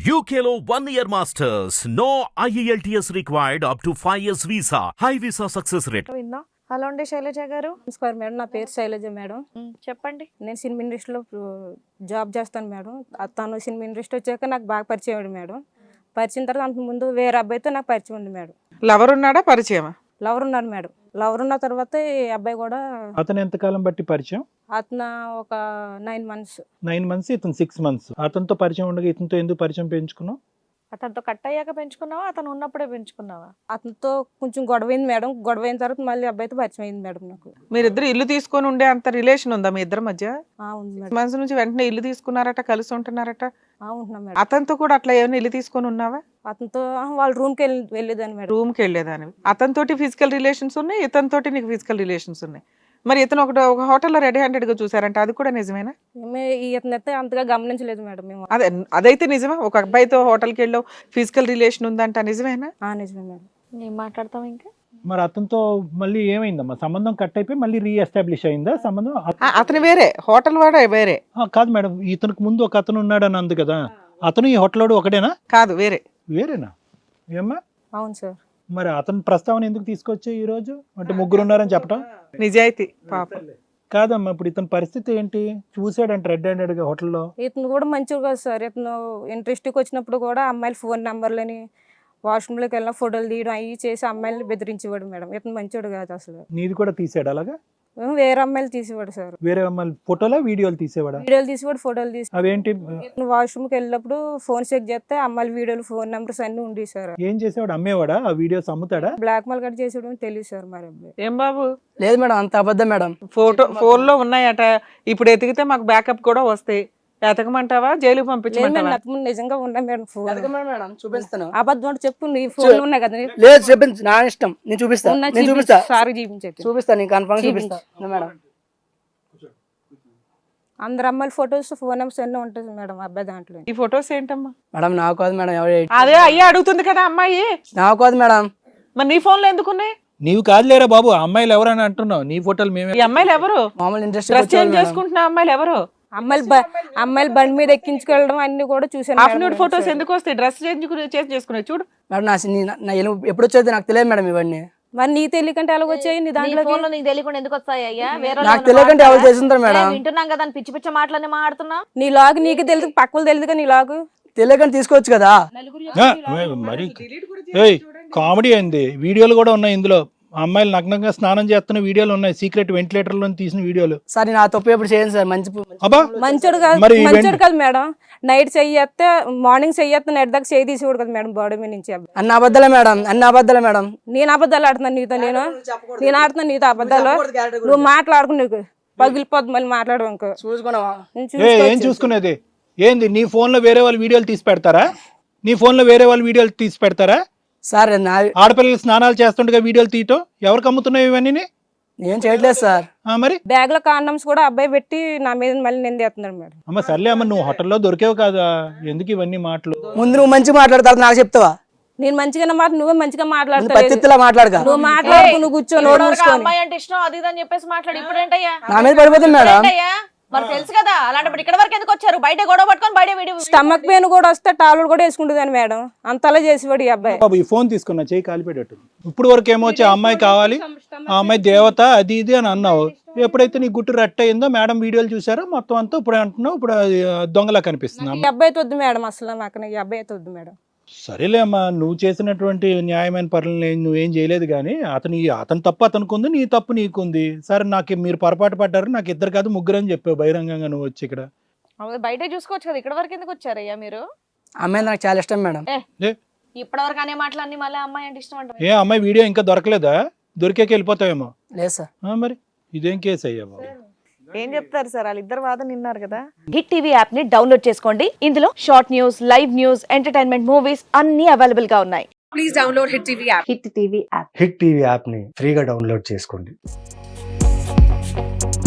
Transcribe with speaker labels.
Speaker 1: UKLO 1 year masters. No IELTS required up to 5 years visa. High visa success rate.
Speaker 2: విందా. Hello అండి శైలజ గారు.
Speaker 3: నమస్కారం madam, నా పేరు శైలజ మేడం.
Speaker 2: చెప్పండి.
Speaker 3: నేను సినిమా ఇండస్ట్రీలో జాబ్ చేస్తాను మేడం. తను సినిమా ఇండస్ట్రీ వచ్చాక నాకు బాగా పరిచయం అయ్యాడు మేడం. పరిచయం తర్వాత అంత ముందు వేరే అబ్బాయితో నాకు పరిచయం ఉంది మేడం.
Speaker 4: లవర్ ఉన్నాడా, పరిచయమా?
Speaker 3: లవర్ ఉన్నాడు మేడం. లవర్ ఉన్న తర్వాత ఈ అబ్బాయి కూడా
Speaker 5: అతను ఎంతకాలం బట్టి పరిచయం?
Speaker 3: అతను ఒక 9 months.
Speaker 5: 9 months, ఇతను 6 months. అతనితో పరిచయం ఉండగా ఇతనితో ఎందుకు పరిచయం పెంచుకున్నావు?
Speaker 2: అతనితో కట్ అయ్యాక పెంచుకున్నావా, అతను ఉన్నప్పుడే పెంచుకున్నావా?
Speaker 3: అతనితో కొంచెం గొడవైంది మేడం. గొడవైన తర్వాత మళ్ళీ అబ్బాయితో పరిచయం అయింది మేడం నాకు.
Speaker 4: మీరిద్దరు ఇల్లు తీసుకొని ఉండే అంత రిలేషన్ ఉందా మీ ఇద్దరి మధ్య?
Speaker 3: ఉంది మేడం.
Speaker 4: మనసు నుంచి వెంటనే ఇల్లు తీసుకున్నారట, కలిసి ఉంటున్నారట.
Speaker 3: ఉంటున్నాం మేడం.
Speaker 4: అతనితో కూడా అట్లా ఏమైనా ఇల్లు తీసుకొని ఉన్నావా?
Speaker 3: అతనితో వాళ్ళ రూమ్కి వెళ్ళేదాన్ని మేడం.
Speaker 4: రూమ్కి వెళ్ళేదానివి. అతనితోటి ఫిజికల్ రిలేషన్స్ ఉన్నాయి, ఇతనితోటి నీకు ఫిజికల్ రిలేషన్స్ ఉన్నాయి. మరి ఇతను ఒక హోటల్లో రెడీ హ్యాండెడ్ గా చూసారంటే అది కూడా నిజమేనా?
Speaker 3: ఇతనైతే అంతగా గమనించలేదు మేడం మేము.
Speaker 4: అదైతే నిజమే. ఒక అబ్బాయితో హోటల్కి వెళ్ళావు, ఫిజికల్ రిలేషన్ ఉందంట, నిజమేనా?
Speaker 3: నిజమే మేడం.
Speaker 2: నేను మాట్లాడతాం ఇంకా.
Speaker 5: మరి అతనితో మళ్ళీ ఏమైందమ్మా? సంబంధం కట్ అయిపోయి మళ్ళీ రీఎస్టాబ్లిష్ అయిందా సంబంధం?
Speaker 4: అతను వేరే, హోటల్ వాడే వేరే.
Speaker 5: కాదు మేడం, ఇతనికి ముందు ఒక అతను ఉన్నాడని అంది కదా, అతను ఈ హోటల్ వాడు ఒకటేనా?
Speaker 4: కాదు, వేరే.
Speaker 5: వేరేనా? ఏమ్మా?
Speaker 3: అవును సార్.
Speaker 5: మరి అతని ప్రస్తావన ఎందుకు తీసుకొచ్చా ఈ రోజు? అంటే ముగ్గురు ఉన్నారని చెప్పడం
Speaker 4: నిజాయితీ పాపం.
Speaker 5: కాదమ్మా, ఇప్పుడు ఇతని పరిస్థితి ఏంటి? చూసాడంటే రెడ్ హ్యాండెడ్ గా హోటల్లో.
Speaker 3: ఇతను కూడా మంచిగా కాదు సార్. ఇతను ఇంట్రెస్ట్కి వచ్చినప్పుడు కూడా అమ్మాయిల ఫోన్ నెంబర్లని వాష్రూమ్లోకి వెళ్ళిన ఫోటోలు తీయడం అవి చేసి అమ్మాయిలని బెదిరించేవాడు మేడం. ఇతను మంచివాడు కాదు అసలు.
Speaker 5: నీది కూడా తీసాడు అలాగా?
Speaker 3: వేరే అమ్మాయిలు తీసేవాడు సార్.
Speaker 5: వేరే అమ్మాయిలు ఫోటోలా వీడియోలు తీసేవాడా?
Speaker 3: వీడియోలు తీసేవాడు, ఫోటోలు తీసి.
Speaker 5: అవేంటి?
Speaker 3: ఇతను వాష్రూమ్కి వెళ్ళినప్పుడు ఫోన్ చెక్ చేస్తే అమ్మాయిల వీడియోలు, ఫోన్ నెంబర్స్ అన్ని ఉండి సార్.
Speaker 5: ఏం చేసేవాడు? అమ్మేవాడా? ఆ వీడియోస్ అమ్ముతాడా?
Speaker 3: బ్లాక్ మెయిల్ కట్ చేసేవాడు తెలియదు సార్. మరి అబ్బాయి
Speaker 4: ఏం బాబు?
Speaker 6: లేదు మేడం, అంత అబద్ధం మేడం.
Speaker 4: ఫోన్ లో ఉన్నాయట. ఇప్పుడు ఎతికితే మాకు బ్యాకప్ కూడా వస్తాయి. ఎతకమంటావా, జైలుకి పంపించమంటావా?
Speaker 3: నిజంగా ఉన్నా మేడం. ఫోన్
Speaker 6: మేడం చూపిస్తాను.
Speaker 3: అబద్ధం చెప్పు. నీ ఫోన్ ఉన్నాయి కదా.
Speaker 6: లేదు చూపించు, నా ఇష్టం. నేను చూపిస్తా.
Speaker 3: సారీ చూపించండి.
Speaker 6: చూపిస్తాను, నేను కన్ఫర్మ్ చూపిస్తా మేడం.
Speaker 3: అందరు అమ్మాయిల ఫొటోస్, ఫోన్ నెంబర్స్ అన్నీ ఉంటుంది మేడం అబ్బాయి దాంట్లో.
Speaker 4: ఈ ఫొటోస్ ఏంటమ్మా?
Speaker 6: మేడం నాకు కాదు మేడం.
Speaker 4: అదే అయ్యా అడుగుతుంది కదా అమ్మాయి.
Speaker 6: నాకు కాదు మేడం.
Speaker 4: మరి నీ ఫోన్ లో ఎందుకున్నాయి?
Speaker 5: నీవు కాదులేరా బాబు, అమ్మాయిలు ఎవరని అంటున్నావు? నీ ఫోటోలు మేమే.
Speaker 4: ఈ అమ్మాయిలు ఎవరు?
Speaker 6: మామూలు ఇంట్రెస్ట్
Speaker 4: డ్రెస్ చేంజ్ చేసుకుంటున్న అమ్మాయిలు ఎవరు?
Speaker 3: అమ్మాయిలు బండి మీద ఎక్కించుకెళ్ళడం అన్ని కూడా చూసాను.
Speaker 4: ఆఫ్టర్నూన్ ఫొటోస్ ఎందుకు వస్తాయి? డ్రెస్ చేంజ్ చేసుకునే చూడు
Speaker 6: మేడం. నా ఎప్పుడు వచ్చేది నాకు తెలియదు మేడం ఇవన్నీ.
Speaker 3: మరి నీ తెలియకంటే ఎలా వచ్చాయి? నీ దాంట్లో
Speaker 2: నీకు తెలియకుండా ఎందుకు వస్తాయి అయ్యా?
Speaker 6: నాకు తెలియకంటే ఎవరు చేస్తుంటారు మేడం.
Speaker 2: వింటున్నాం కదా, పిచ్చి పిచ్చి మాటలన్నీ మాట్లాడుతున్నా.
Speaker 3: నీ లాగు నీకు తెలియదు, పక్కలు తెలియదు. నీ లాగు
Speaker 6: తెలియకంటే తీసుకోవచ్చు కదా.
Speaker 5: మరి కామెడీ అయింది. వీడియోలు కూడా ఉన్నాయి ఇందులో. అమ్మాయిలు నగ్నంగా స్నానం చేస్తున్న వీడియోలు ఉన్నాయి, సీక్రెట్ వెంటిలేటర్ లో తీసిన వీడియోలు.
Speaker 6: సార్ నా తప్పు ఎప్పుడు చేయను సార్.
Speaker 3: మంచోడు కాదు, మంచోడు కాదు మేడం. నైట్ చెయ్యేస్తే మార్నింగ్ చెయ్యేస్తే నైట్ దాకా చేయి తీసేవాడు కదా మేడం బాడీ మీద నుంచి.
Speaker 6: అన్న అబద్ధాలే మేడం, అన్న అబద్ధాలే మేడం.
Speaker 3: నేను అబద్ధాలు ఆడుతున్నాను నీతో. నేను ఆడుతున్నాను నీతో అబద్ధాలు. నువ్వు మాట్లాడుకు, నీకు పగిలిపోద్దు మళ్ళీ మాట్లాడు. ఇంకో
Speaker 6: చూసుకున్నావా?
Speaker 5: ఏం చూసుకునేది ఏంది? నీ ఫోన్ లో వేరే వాళ్ళు వీడియోలు తీసి పెడతారా? నీ ఫోన్ లో వేరే వాళ్ళు వీడియోలు తీసి పెడతారా?
Speaker 6: సార్
Speaker 5: ఆడపిల్లలు స్నానాలు చేస్తుండగా వీడియోలు తీయటం ఎవరికి అమ్ముతున్నాయి ఇవన్నీ?
Speaker 6: నేను చేయట్లేదు సార్.
Speaker 5: మరి
Speaker 3: బ్యాగ్ లో కాండమ్స్ కూడా అబ్బాయి పెట్టి నా మీద మళ్ళీ నిందేస్తున్నాడు మేడం.
Speaker 5: అమ్మ సర్లే అమ్మ, నువ్వు హోటల్లో దొరికేవు కదా, ఎందుకు ఇవన్నీ మాటలు?
Speaker 6: ముందు నువ్వు మంచిగా మాట్లాడతావు, నాకు చెప్తావా?
Speaker 3: నేను మంచిగా మాట, నువ్వే మంచిగా మాట్లాడతావు.
Speaker 6: మాట్లాడక
Speaker 3: నువ్వు మాట్లాడుకు, నువ్వు కూర్చొని
Speaker 2: అమ్మాయి అంటే ఇష్టం అది అని చెప్పేసి మాట్లాడు. ఇప్పుడు ఏంటయ్యా
Speaker 6: నా మీద పడిపోతుంది మేడం.
Speaker 2: మరి తెలుసు కదా, అలాంటి ఇక్కడ వరకు ఎందుకు వచ్చారు? బయట గొడవ పట్టుకొని బయట వీడియో.
Speaker 3: స్టమక్ పెయిన్ కూడా వస్తే టాలు కూడా వేసుకుంటుంది మేడం. అంతలా చేసేవాడు ఈ అబ్బాయి.
Speaker 5: బాబు ఈ ఫోన్ తీసుకున్నా, చేయి కాలిపెట్టట్టు. ఇప్పుడు వరకు ఏమొచ్చి ఆ అమ్మాయి కావాలి, ఆ అమ్మాయి దేవత అది ఇది అని అన్నావు. ఎప్పుడైతే నీ గుట్టు రట్ట అయిందో మేడం వీడియోలు చూసారో మొత్తం అంతా ఇప్పుడు అంటున్నావు, ఇప్పుడు దొంగలా కనిపిస్తుంది.
Speaker 3: ఈ అబ్బాయి వద్దు మేడం, అసలు నాకు ఈ అబ్బాయి వద్దు మేడం.
Speaker 5: సరేలే అమ్మా, నువ్వు చేసినటువంటి న్యాయమైన పనులు నువ్వేం చేయలేదు కానీ అతని తప్పు అతనికి ఉంది, నీ తప్పు నీకుంది. సరే నాకు మీరు పొరపాటు పడ్డారు, నాకు ఇద్దరు కాదు ముగ్గురు అని చెప్పావు బహిరంగంగా నువ్వు వచ్చి ఇక్కడ.
Speaker 2: బయట చూసుకోవచ్చు కదా, ఇక్కడ వరకు ఎందుకు వచ్చారయ్యా మీరు?
Speaker 6: అమ్మాయి నాకు చాలా ఇష్టం మేడం.
Speaker 2: ఇప్పటి వరకు అనే మాటలన్నీ మళ్ళీ అమ్మాయి అంటే ఇష్టం అంటే
Speaker 5: ఏ అమ్మాయి వీడియో ఇంకా దొరకలేదా? దొరికాక వెళ్ళిపోతావేమో.
Speaker 6: లేదు సార్.
Speaker 5: మరి ఇదేం కేసు అయ్యా బాబు?
Speaker 4: ఏం చెప్తారు సార్, వాళ్ళిద్దరు వాదన విన్నారు కదా.
Speaker 2: హిట్ టీవీ యాప్ ని డౌన్లోడ్ చేసుకోండి. ఇందులో short news, live news, entertainment movies అన్ని అవైలబుల్ గా ఉన్నాయి.
Speaker 7: Please download hit TV app.
Speaker 2: Hit TV app.
Speaker 8: Hit TV app ని ఫ్రీగా డౌన్లోడ్ చేసుకోండి.